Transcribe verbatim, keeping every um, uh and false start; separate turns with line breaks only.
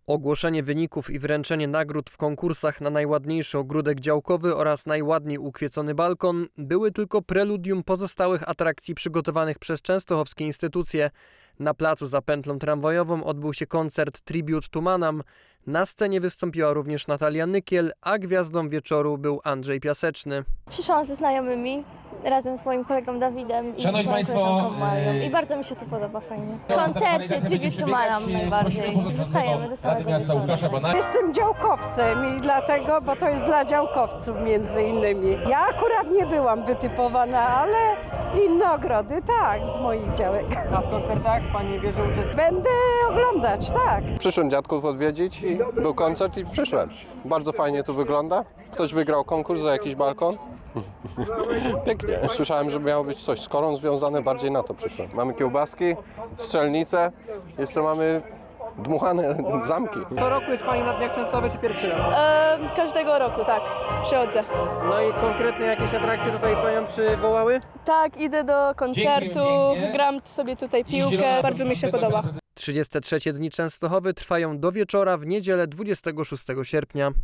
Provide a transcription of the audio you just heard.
Ogłoszenie wyników i wręczenie nagród w konkursach na najładniejszy ogródek działkowy oraz najładniej ukwiecony balkon były tylko preludium pozostałych atrakcji przygotowanych przez częstochowskie instytucje. Na placu za pętlą tramwajową odbył się koncert Tribute to Manam. Na scenie wystąpiła również Natalia Nykiel, a gwiazdą wieczoru był Andrzej Piaseczny.
Przyszłam ze znajomymi, razem z moim kolegą Dawidem i z moją koleżanką Marią. I bardzo mi się tu podoba, fajnie. Koncerty Tribute to Manam najbardziej. Zostajemy do samego wieczoru.
Jestem działkowcem i dlatego, bo to jest dla działkowców między innymi. Ja akurat nie byłam wytypowana, ale inne ogrody tak, z moich działek.
A w koncertach Pani bierze uczestnictwo?
Będę oglądać, tak.
Przyszłem dziadków odwiedzić i był koncert i przyszłem. Bardzo fajnie tu wygląda. Ktoś wygrał konkurs za jakiś balkon. Pięknie. Słyszałem, że miało być coś z korą związane, bardziej na to przyszłem. Mamy kiełbaski, strzelnice, jeszcze mamy dmuchane zamki.
Co roku jest Pani na Dniach Częstochowy, czy pierwszy raz?
E, każdego roku, tak, przychodzę.
No i konkretnie jakieś atrakcje tutaj Panią przywołały?
Tak, idę do koncertu, gram sobie tutaj piłkę, bardzo mi się podoba.
trzydzieste trzecie Dni Częstochowy trwają do wieczora w niedzielę dwudziestego szóstego sierpnia.